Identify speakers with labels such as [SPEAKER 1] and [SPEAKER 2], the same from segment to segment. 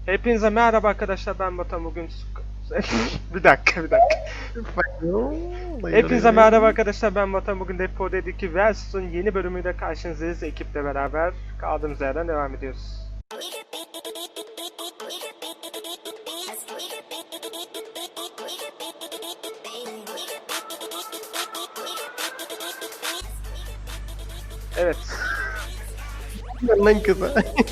[SPEAKER 1] Hepinize merhaba arkadaşlar, ben Batuhan. Bugün bir dakika. Hepinize merhaba arkadaşlar, ben Batuhan. Bugün Depo Dediki Versus'un yeni bölümüyle karşınızdayız. Ekiple beraber kaldığımız yerden devam ediyoruz. Evet.
[SPEAKER 2] Lan kıza.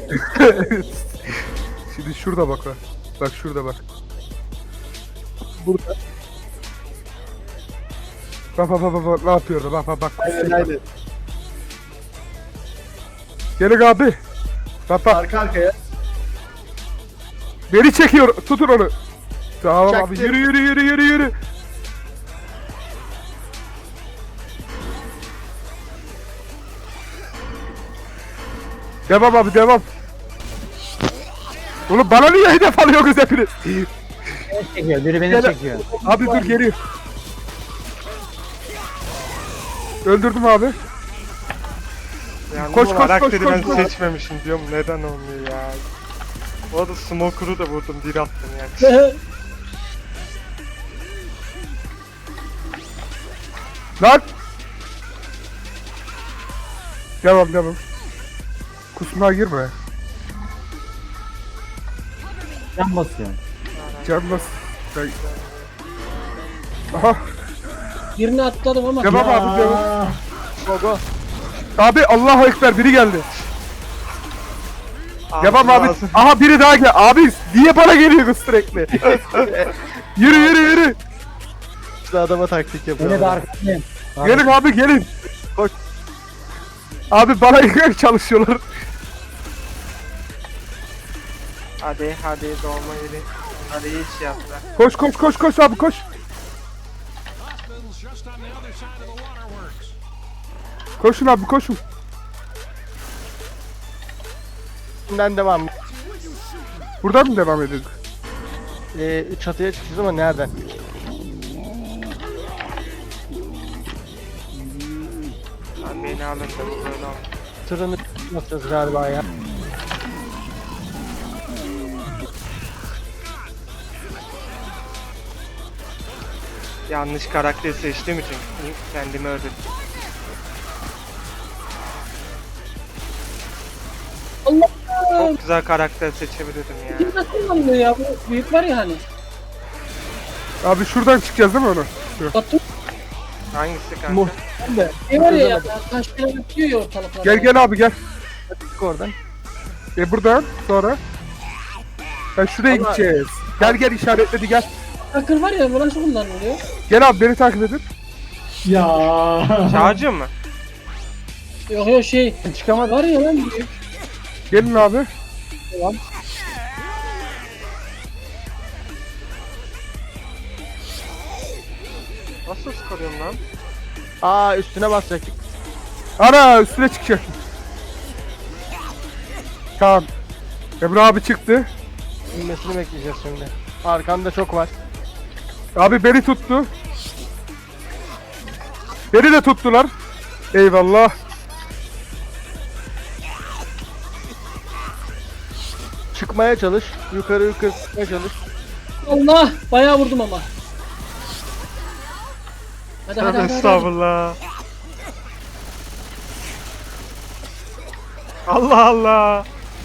[SPEAKER 3] Şimdi şurada bak. Bak şurada bak. Burada. Bak ne yapıyor bak.
[SPEAKER 2] Aynen.
[SPEAKER 3] Gelin abi. Bak.
[SPEAKER 2] Arka arkaya.
[SPEAKER 3] Beni çekiyor. Tutun onu. Tamam
[SPEAKER 2] Çaktım.
[SPEAKER 3] abi yürü. Devam abi devam. Oğlum bana niye hedef alıyorsunuz hepiniz?
[SPEAKER 4] Çekiyor, biri beni
[SPEAKER 3] Gel-
[SPEAKER 4] çekiyor.
[SPEAKER 3] Abi dur geliyor. Öldürdüm abi.
[SPEAKER 1] Yani
[SPEAKER 3] Koş,
[SPEAKER 1] bu
[SPEAKER 3] koş,
[SPEAKER 1] karakteri
[SPEAKER 3] koş,
[SPEAKER 1] ben
[SPEAKER 3] koş.
[SPEAKER 1] seçmemişim diyorum, neden olmuyor ya. Bu arada Smoker'u da vurdum, bir attım yani.
[SPEAKER 3] Lan! Devam. Kusmaya girme.
[SPEAKER 4] Can basıyor.
[SPEAKER 3] Canlas. Aha.
[SPEAKER 5] Birini atladım ama.
[SPEAKER 3] Devam abi devam. Go. Abi Allahu Ekber biri geldi. Devam abi.
[SPEAKER 1] Ağzım-
[SPEAKER 3] Aha biri daha gel. Abi niye bana geliyorsun sürekli? Yürü.
[SPEAKER 2] İşte adama taktik yapıyor.
[SPEAKER 4] Beni de arkadayım.
[SPEAKER 3] Gelin abi gelin.
[SPEAKER 2] Koş.
[SPEAKER 3] Abi bana yıkak çalışıyorlar.
[SPEAKER 1] Hadi doğma yeri. Hadi iyi iş yaptılar.
[SPEAKER 3] Koş abi koş. Koşun abi koşun.
[SPEAKER 2] Şimdiden devam.
[SPEAKER 3] Buradan mı devam edelim?
[SPEAKER 2] Çatıya çıkacağız ama nereden?
[SPEAKER 1] Lan beni alın da bu böyle olmaz.
[SPEAKER 2] Tırını yapacağız galiba ya.
[SPEAKER 1] Yanlış karakteri seçtiğim için kendimi öldürdüm.
[SPEAKER 5] Allah
[SPEAKER 1] Çok güzel karakter seçebilirdim ya.
[SPEAKER 5] kim nasıl anlıyor ya? Bu büyük var ya hani.
[SPEAKER 3] Abi şuradan çıkacağız değil mi onu?
[SPEAKER 5] Batu
[SPEAKER 1] Hangisi kanka?
[SPEAKER 2] Muhtemelen.
[SPEAKER 5] ne var ya taş falan atıyor ya ortalıklara.
[SPEAKER 3] Gel abi gel.
[SPEAKER 2] Çık oradan.
[SPEAKER 3] Buradan sonra. Şuraya
[SPEAKER 2] Allah.
[SPEAKER 3] gideceğiz. Gel işaretledi gel.
[SPEAKER 5] Takır var ya bu nasıl kullanılıyor?
[SPEAKER 3] Gel abi beni takip edin.
[SPEAKER 1] Çağcı mı?
[SPEAKER 5] Yok şey
[SPEAKER 3] Çıkamadım.
[SPEAKER 5] var ya lan büyük.
[SPEAKER 3] Gelin abi.
[SPEAKER 1] Nasıl sıkılıyorum lan?
[SPEAKER 2] Aa üstüne basacaktık.
[SPEAKER 3] Ana üstüne çıkacak. Tamam. Emre abi çıktı.
[SPEAKER 2] İnmesini bekleyeceğiz şimdi. Arkanda çok var.
[SPEAKER 3] Abi beni tuttu. Beni de tuttular. Eyvallah.
[SPEAKER 2] Çıkmaya çalış. Yukarı çıkmaya çalış.
[SPEAKER 5] Allah bayağı vurdum ama. Hadi
[SPEAKER 1] Tövbe
[SPEAKER 5] hadi.
[SPEAKER 1] estağfurullah. Allah.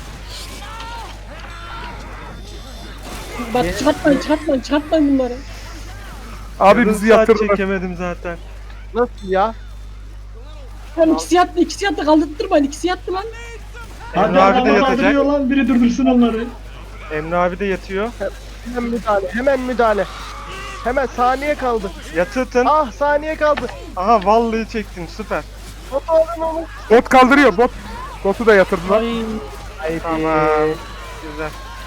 [SPEAKER 5] Bak çıkartmayın bunları.
[SPEAKER 3] Abi
[SPEAKER 1] Yarım
[SPEAKER 3] bizi
[SPEAKER 1] saat
[SPEAKER 3] yatırdılar.
[SPEAKER 1] çekemedim zaten.
[SPEAKER 2] Nasıl ya?
[SPEAKER 5] Lan ikisi yattı kaldırtmayın ikisi yattı lan.
[SPEAKER 1] Emre abi de yatacak.
[SPEAKER 6] Lan biri durdursun onları.
[SPEAKER 1] Emre abi de yatıyor.
[SPEAKER 2] Hemen müdahale. Hemen saniye kaldı.
[SPEAKER 1] Yatırtın.
[SPEAKER 2] Ah saniye kaldı.
[SPEAKER 1] Aha vallahi çektim, süper.
[SPEAKER 2] Bot alın onu.
[SPEAKER 3] Bot kaldırıyor bot. Botu da yatırdılar.
[SPEAKER 2] Haydi.
[SPEAKER 1] Tamam. Güzel.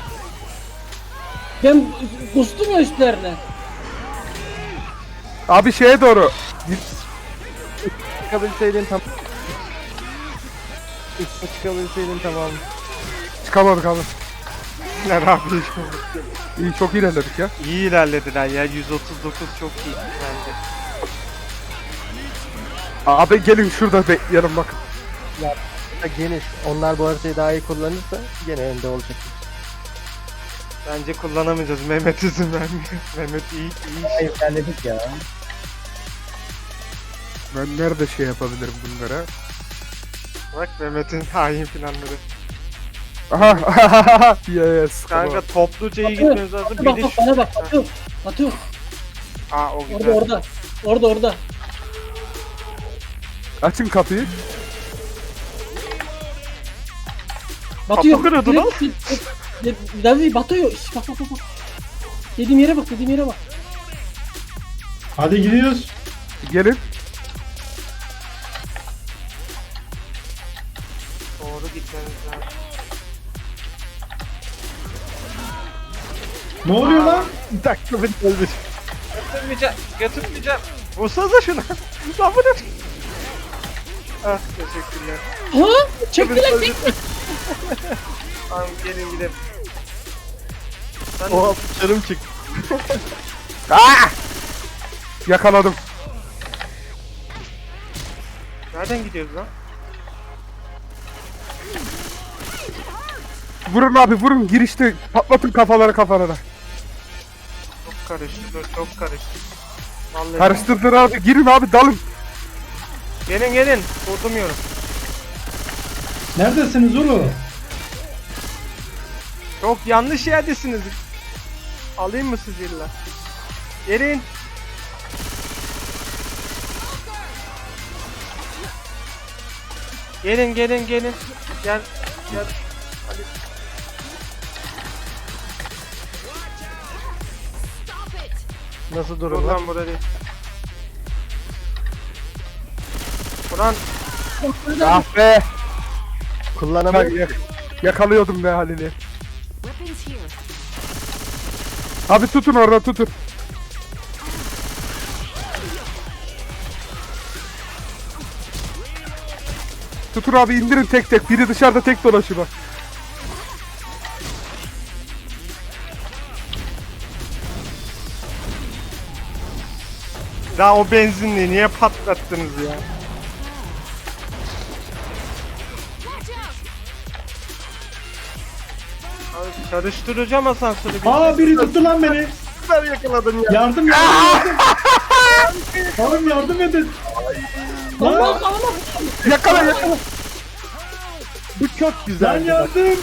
[SPEAKER 5] Ben kustum ya üstlerine.
[SPEAKER 3] Abi şeye doğru.
[SPEAKER 2] Çıkabilseydin tam. Üstüne çıkabilseydin tamam.
[SPEAKER 3] Çıkamadık abi.
[SPEAKER 1] Emre abi
[SPEAKER 3] İyi çok ilerledik ya.
[SPEAKER 1] iyi ilerlediler ya. 139 çok iyi bence.
[SPEAKER 3] Abi gelin şurada bekleyelim bakın.
[SPEAKER 2] Geniş. Onlar bu haritayı daha iyi kullanırsa gene önde olacak.
[SPEAKER 1] Bence kullanamayacağız. Mehmet izin vermiyor. Mehmet iyi.
[SPEAKER 4] Hayır ilerledik ya.
[SPEAKER 3] Ben nerede şey yapabilirim bunlara?
[SPEAKER 1] Bak Mehmet'in hain planları.
[SPEAKER 3] Aha. Yes.
[SPEAKER 1] Kanka topluca iyi
[SPEAKER 5] Batu,
[SPEAKER 1] gitmemiz lazım.
[SPEAKER 5] Batu
[SPEAKER 1] Bir
[SPEAKER 5] bak
[SPEAKER 1] de
[SPEAKER 5] bak
[SPEAKER 1] şu...
[SPEAKER 5] bana bak Batu. Batu
[SPEAKER 1] Aa o güzel.
[SPEAKER 5] orada.
[SPEAKER 3] Açın kapıyı.
[SPEAKER 5] Batu yok.
[SPEAKER 1] kırıldı lan.
[SPEAKER 5] Davi Batu yok. Şş, bak. Dediğim yere bak.
[SPEAKER 6] Hadi gidiyoruz.
[SPEAKER 3] Gelin.
[SPEAKER 1] Doğru gitmemiz lazım.
[SPEAKER 6] Ne oluyor lan?
[SPEAKER 3] Bir dakika beni öldür.
[SPEAKER 1] Götürmeyeceğim. Vursanıza şuna. Lan bu ne? Ah teşekkürler.
[SPEAKER 5] Ha? Çektiler.
[SPEAKER 1] Tamam gelin gidelim. Ben
[SPEAKER 2] Oha bıçarım çıktı.
[SPEAKER 3] Yakaladım.
[SPEAKER 1] nereden gidiyoruz lan?
[SPEAKER 3] Vurun abi vurun. Girişte patlatın kafaları kafalara.
[SPEAKER 1] Çok karıştı. Çok karıştı. Vallahi.
[SPEAKER 3] Karıştırdır abi. Girin abi dalın.
[SPEAKER 1] Gelin. Vurdurmuyorum.
[SPEAKER 6] Neredesiniz oğlum?
[SPEAKER 1] Çok yanlış yerdesiniz. Alayım mı sizi illa? Gelin. Gelin. Gel. Hadi.
[SPEAKER 2] Nasıl
[SPEAKER 1] Dur
[SPEAKER 2] durum lan?
[SPEAKER 1] lan burada değil. Ulan
[SPEAKER 3] Ah be.
[SPEAKER 2] Kullanamıyorum.
[SPEAKER 3] Yakalıyordum be Halil'i.
[SPEAKER 7] Weapons here.
[SPEAKER 3] Abi tutun orada tutun. Tutun abi indirin tek tek. Biri dışarıda tek dolaşıyor bak.
[SPEAKER 1] daha o benzinliği niye patlattınız ya? Abi çalıştıracağım asansörü.
[SPEAKER 6] Aa biri tuttu lan beni.
[SPEAKER 2] Ben yakaladım ya.
[SPEAKER 6] Yardım. Oğlum yardım edin. Lan,
[SPEAKER 3] Yakala.
[SPEAKER 2] Bu çok
[SPEAKER 6] lan
[SPEAKER 2] güzel.
[SPEAKER 6] yardım.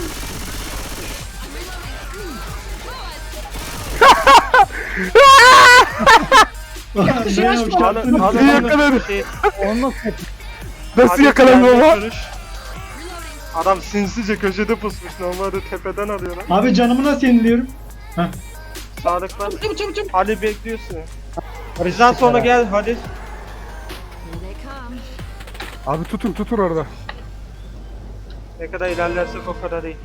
[SPEAKER 6] Lan ne
[SPEAKER 5] Şey açma.
[SPEAKER 6] yapacaksın?
[SPEAKER 3] İyi yakaladı.
[SPEAKER 4] Onu nasıl yapayım?
[SPEAKER 3] Nasıl yakalandı ama?
[SPEAKER 1] Adam sinsice köşede pusmuş. Normalde tepeden alıyor lan.
[SPEAKER 6] Abi canımı nasıl yeniliyorum? Heh.
[SPEAKER 1] Sadık var.
[SPEAKER 5] Çabuk.
[SPEAKER 1] Ali bekliyorsun. Bizden sonra gel hadi.
[SPEAKER 7] Here they come.
[SPEAKER 3] Abi tutun orada.
[SPEAKER 1] Ne kadar ilerlersek o kadar iyi.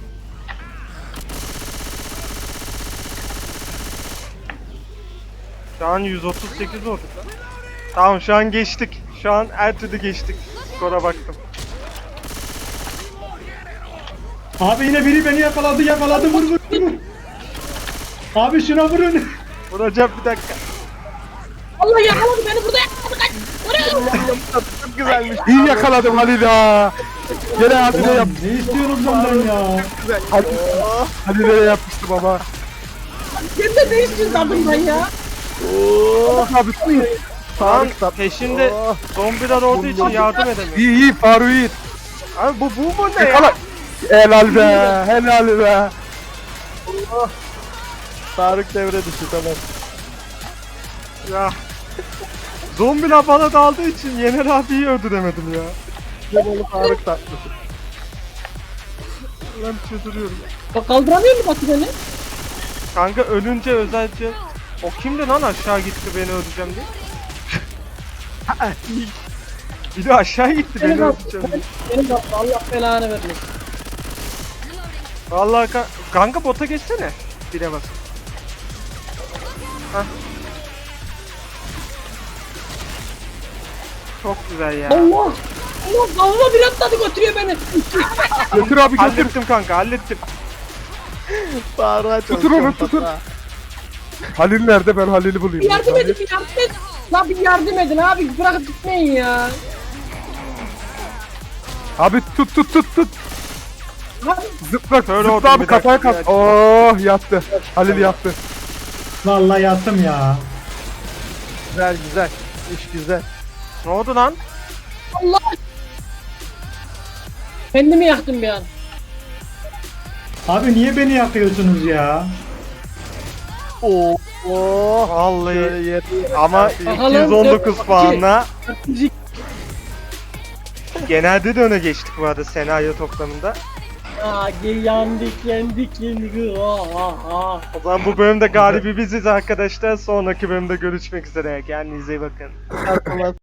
[SPEAKER 1] Şu an 138 olduk lan. Tamam şu an geçtik. Şu an her türlü geçtik. Skora baktım.
[SPEAKER 6] Abi yine biri beni yakaladı vur. Abi şuna vurun.
[SPEAKER 1] Vuracağım bir dakika.
[SPEAKER 5] Allah yakaladı beni burada yakaladı. Kaç.
[SPEAKER 2] Çok güzelmiş.
[SPEAKER 3] İyi yakaladım Halil ya. Gene Halil'e yap.
[SPEAKER 6] Ne istiyorsunuz benden ya?
[SPEAKER 3] Halil'e yapmıştım ama.
[SPEAKER 5] Sen de ne istiyorsun adımdan ya?
[SPEAKER 3] Abi
[SPEAKER 1] Lan
[SPEAKER 2] Faruk
[SPEAKER 1] peşinde zombiler olduğu için yardım edemiyorum.
[SPEAKER 3] iyi Faruk iyi.
[SPEAKER 1] Abi bu ne ya?
[SPEAKER 3] Yakala. Helal be. Helal be.
[SPEAKER 2] Faruk devre dışı tamam.
[SPEAKER 1] Ya. Zombiler bana daldığı için Yener abiyi öldüremedim ya.
[SPEAKER 2] Cemal'i Faruk tatlısı.
[SPEAKER 1] Lan çıldırıyorum.
[SPEAKER 5] Bak kaldıramıyor mu Batu beni?
[SPEAKER 1] Kanka ölünce özelce o kimdi lan aşağı gitti beni öldüreceğim diye. Bir de aşağı gitti beni öldüreceğim diye.
[SPEAKER 5] Beni Batu Allah belanı vermesin.
[SPEAKER 1] Vallahi kanka bota geçsene. Bire bas. Hah. Çok güzel ya.
[SPEAKER 5] Allah kavga bir atladı götürüyor beni.
[SPEAKER 3] Götür abi götür.
[SPEAKER 1] Hallettim kanka hallettim.
[SPEAKER 2] Faruk'a
[SPEAKER 3] Tutun onu, tutun. Halil nerede? Ben Halil'i bulayım.
[SPEAKER 5] Bir yardım edin. Lan bir yardım edin abi bırakıp gitmeyin ya.
[SPEAKER 3] Abi tut. Zıpla
[SPEAKER 1] Kör
[SPEAKER 3] zıpla
[SPEAKER 1] oldum
[SPEAKER 3] abi
[SPEAKER 1] bir
[SPEAKER 3] kafaya
[SPEAKER 1] dakika,
[SPEAKER 3] kalk.
[SPEAKER 1] bir
[SPEAKER 3] Oh yattı. Halil yattı.
[SPEAKER 6] Vallahi yattım ya.
[SPEAKER 2] Güzel güzel. İş güzel.
[SPEAKER 1] Ne oldu lan?
[SPEAKER 5] Kendimi yaktım bir an.
[SPEAKER 6] Abi niye beni yakıyorsunuz ya?
[SPEAKER 2] Oo. Oh.
[SPEAKER 1] Vallahi
[SPEAKER 2] Şöyle yer.
[SPEAKER 1] ama
[SPEAKER 5] Bakalım,
[SPEAKER 1] 219
[SPEAKER 5] dört-
[SPEAKER 1] puanla
[SPEAKER 5] Dördüncü
[SPEAKER 1] genelde de öne geçtik bu arada senaryo toplamında.
[SPEAKER 5] yendik.
[SPEAKER 1] O zaman bu bölümde galibi biziz arkadaşlar. Sonraki bölümde görüşmek üzere. Kendinize iyi bakın.
[SPEAKER 2] Performans